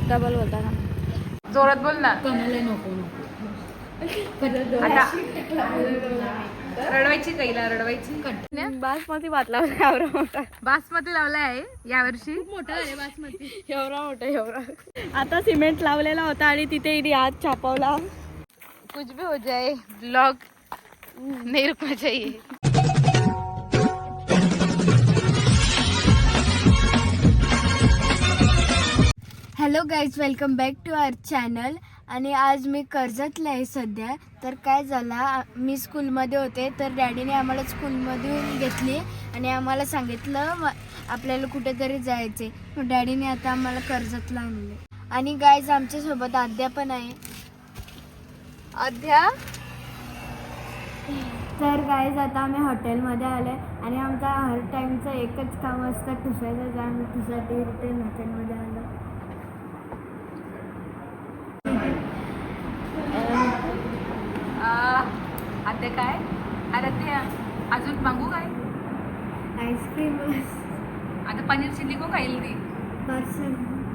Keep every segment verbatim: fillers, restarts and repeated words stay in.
Double बोलता ना, जोरात बोल ना. कमले नको आता रडवायची कैला रडवायची. बासमती भात लावला एवढा मोठा. बासमती लावला आहे यावर्षी. खूप मोठा आहे बासमती. एवढा मोठा एवढा. आता सिमेंट लावलेला होता आणि तिथे इथे हात छापवला. कुछ भी हो जाए ब्लॉग नहीं रुकना चाहिए. Hello guys, welcome back to our channel. आणि आज मी कर्जतला आहे सध्या. तर काय झालं, मी स्कूलमध्ये होते तर डॅडीने आम्हाला स्कूलमधून घेतली आणि आम्हाला सांगितलं आपल्याला कुठेतरी जायचे. मग डॅडीने आता आम्हाला कर्जतला आणले. आणि गाईज आमच्यासोबत आद्या पण आहे. अध्या. तर गाईज आता आम्ही हॉटेलमध्ये आले आणि आमचा हर टाईमचं एकच काम असतं ठुसायचं. जे आम्ही ठुसाठी रिटर्न हॉटेलमध्ये आलो. आता काय आराध्या अजून मागू काय? आईस्क्रीम आता पनीर चिल्ली को खाईल ती पार्सल.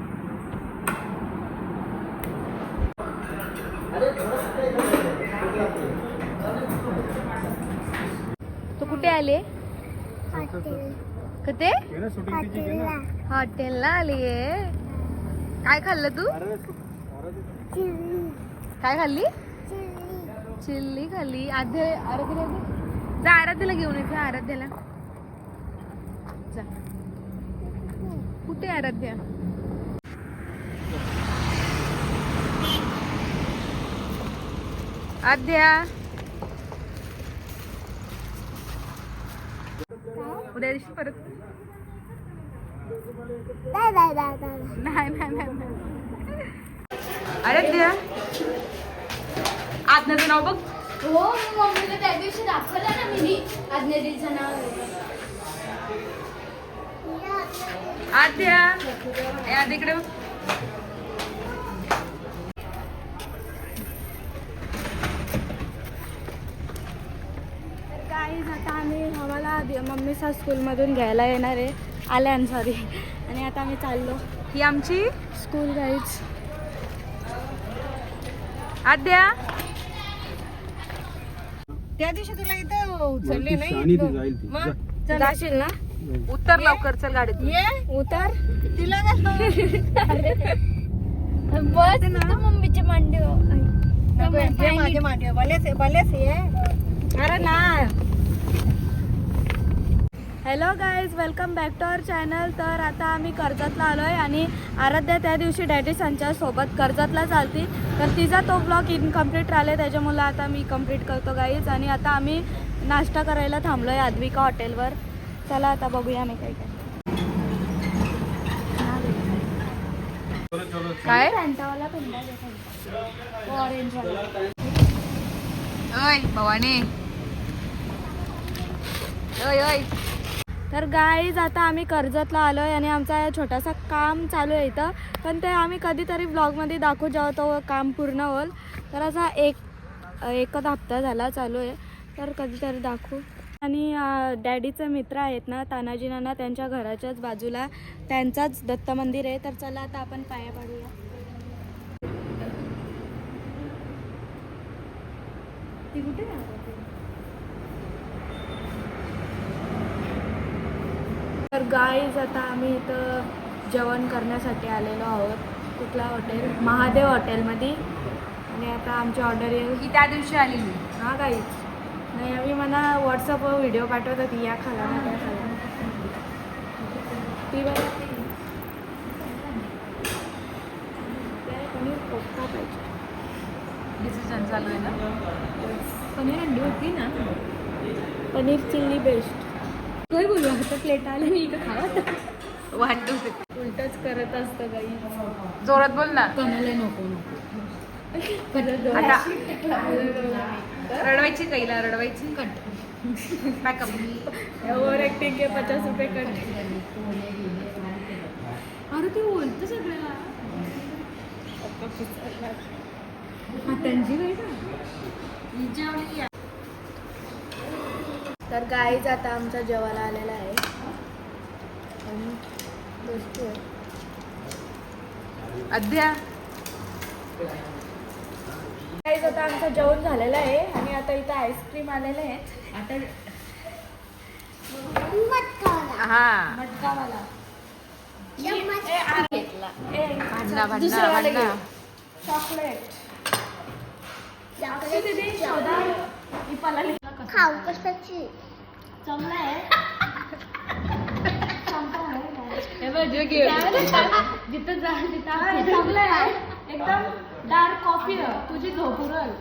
तू कुठे आले? कुठे? हॉटेलला आलीये. काय खाल्लं तू? काय खाल्ली? चिल्ली खाल्ली. आध्या आराध्याला जा, आराध्याला घेऊन येते. आराध्याला जा. कुठे आराध्या? आद्या उद्या दिवशी परत नाही नाही नाही. आराध्या आज्ञाचं नाव बघ. हो, मम्मीला त्या दिवशी दाखवलं ना मी आज्ञाचं नाव. आद्या ए आद्या इकडे बघ. तर गाईज आता आम्ही आम्हाला मम्मीचा स्कूलमधून घ्यायला येणार आहे. आल्या सॉरी. आणि आता आम्ही चाललो. ही आमची स्कूल गाईज. आद्या त्या दिवशी तुला इथं उचलले नाही मग जाशील ना. उत्तर लवकर चल गाडीत. ये उतर. तिला बस ना मम्मीच्या मांडीवर. माझ्या मांडीवर बलेस बलेस ये. अरे ना. Hello guys, welcome back to our channel. तर आता आम्ही कर्जतला आलो आहे आणि आराध्या त्या दिवशी डॅडी संच्या सोबत कर्जतला चालती. तर तिचा तो ब्लॉग इनकम्प्लीट राहिले, त्याच्यामुळे आता मी कंप्लीट करतो गाईज. आणि आता आम्ही नाश्ता करायला थांबलो आहे आद्विका हॉटेलवर. चला आता बघूया आम्ही काय काय फॅन्टावाला पेंडा ऑरेंज वाला. ओय भवानी. ओय ओय. तर गाईज आता आम्ही कर्जतला आलो आहे आणि आमचा छोटासा काम चालू आहे इथं. पण ते आम्ही कधीतरी ब्लॉगमध्ये दाखवू जेव्हा तो काम पूर्ण होईल. तर असा एक एकच हप्ता झाला चालू आहे, तर कधीतरी दाखवू. आणि डॅडीचे मित्र आहेत ना तानाजी नाना, त्यांच्या घराच्याच बाजूला त्यांचाच दत्त मंदिर आहे. तर चला आता आपण पाया पडूया. ती कुठे राहते? तर गाईज आता आम्ही इथं जेवण करण्यासाठी आलेलो आहोत. कुठला हॉटेल? महादेव हॉटेलमध्ये. आणि आता आमची ऑर्डर येईल. ही त्या दिवशी आलेली. हां गाईज. नाही आम्ही मला व्हॉट्सअपवर व्हिडिओ पाठवत होती, या खाला ना त्या खाला. ती बघा पनीर कोफ्ता पाहिजे. डिसिजन चालू आहे ना. पनीर अंडी होती ना. Paneer chilli best. काय बोलू आता प्लेट आले मी इथं खावा. वन टू उलटच करत असतं गाई. जोरात बोल ना. कमले नको नको. आता रडवायची कैला रडवायची. कट. पॅकअप. ओव्हर ॲक्टिंग के पचास रुपये कट. अरे ते बोलतं सगळ्याला. त्यांची नाही का. तर गाईज आता आमचा जेवायला आलेला आहे आणि दोस्ती आहे. अध्या गाईज आता आमचं जेवण झालेलं आहे आणि आता इथं आईस्क्रीम आलेले आहेत. आता हा मटकावाला भांडणा भांडणा भांडणा चॉकलेट दीदी शोधा ही पलाली खाऊ कशाची चांगला आहे. जिथं जा चांगलं आहे एकदम डार्क कॉफी तुझी झोप उरल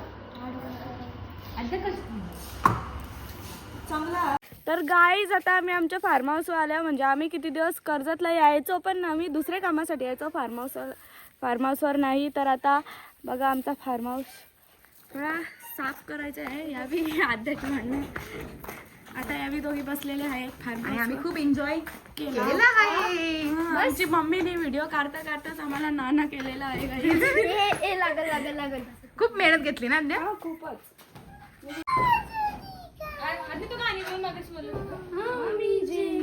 चांगला. तर गाईज आता आम्ही आमच्या फार्म हाऊसवर आल्या. म्हणजे आम्ही किती दिवस कर्जतला यायचो पण आम्ही दुसऱ्या कामासाठी यायचो फार्म हाऊसवर फार्म हाऊसवर नाही. तर आता बघा आमचा फार्म हाऊस थोडा साफ करायचा आहे. यावी आध्याच म्हणणं आता यावी दोघी बसलेले आहेत फार्म आणि हाऊस. आम्ही खूप एन्जॉय केला केलेला आहे. हा, आमची मम्मीने व्हिडिओ काढता काढताच आम्हाला नाना केलेला आहे गाईज. ए लागल लागल लागल खूप मेहनत घेतली ना अध्या. हा, खूपच. आधी तू गाणी बोल मगाच बोलत होता. आम्ही जे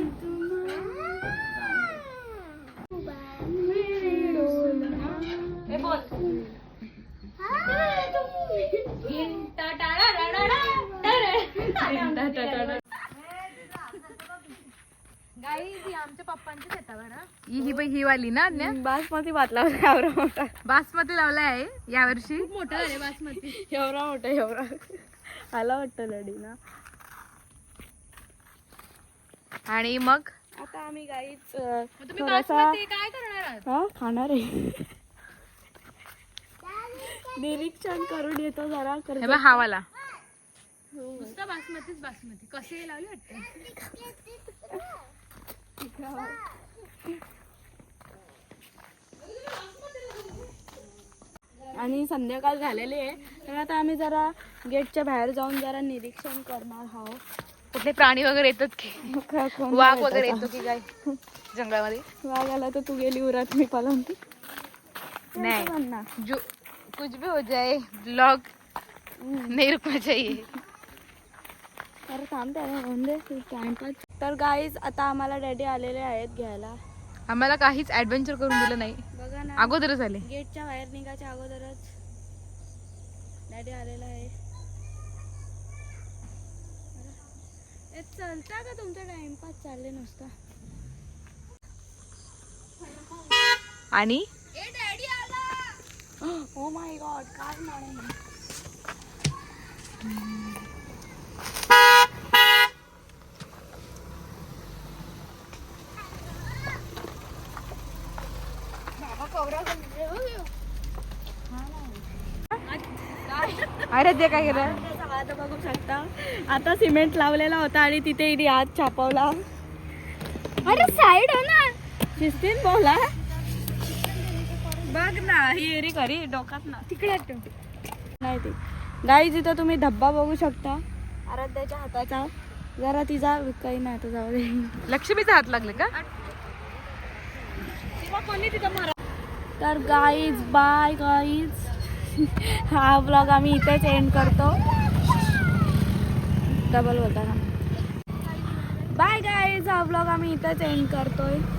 तुम्हाला- ए, बोल. गिंटा टाळा टाळा टाळा. गिंटा टाळा. आमच्या पप्पांच्या शेतावर ही ही बाई ही वाली ना अज्ञा बासमती भात लावला एवढा मोठा बासमती लावला आहे यावर्षी. मोठा आहे बासमती एवढा मोठा एवढा आला वाटतं लढीला. आणि मग आता आम्ही गाईच थोडासा काय करणार आहात? हा खाणार आहे. निरीक्षण करून येतो जरा हे कर. बघ हा वाला नुसता बासमतीच बासमती कसे लावले वाटतं. आणि संध्याकाळ झालेली आहे तर आता आम्ही जरा गेटच्या बाहेर जाऊन जरा निरीक्षण करणार आहोत. कुठले प्राणी वगैरे येतात की कोण वाघ येतं वगैरे का? येतो की काय जंगलामध्ये? वाघ आला तर तू गेली उरात मी पलंती नाही. म्हणणार. जो कुछ भी हो जाए ब्लॉग नहीं रुकना चाहिए. तर थांब त्याला होऊन दे टाइमपास. तर गाईज आता आम्हाला डॅडी आलेले आहेत घ्यायला. आम्हाला काहीच ऍडव्हेंचर करून दिलं नाही. बघा ना अगोदरच आले. गेटच्या बाहेर निघायच्या अगोदरच डॅडी आलेला आहे. ए, चलता का तुमचा टाइमपास चालले नुसता. आणि ओ माय गॉड काय म्हणे. अरे ते काय केलं? त्याचा हात बघू शकता. आता सिमेंट लावलेला होता आणि तिथे इथे हात छापवला. अरे साईड हो ना शिस्तीन बोला. बघ ना ही एरी खरी डोकात ना तिकडे नाही ती. गाईज इथं तुम्ही धब्बा बघू शकता आराध्याच्या हाताचा. जरा तिचा काही नाही आता जाऊ दे. लक्ष्मीचा हात लागले का? कोणी तिथं मारा. तर गाईज बाय गाईज. हा ब्लॉग आम्ही इथेच एंड करतो. डबल होता ना. बाय गाईज हा ब्लॉग आम्ही इथेच एंड करतोय.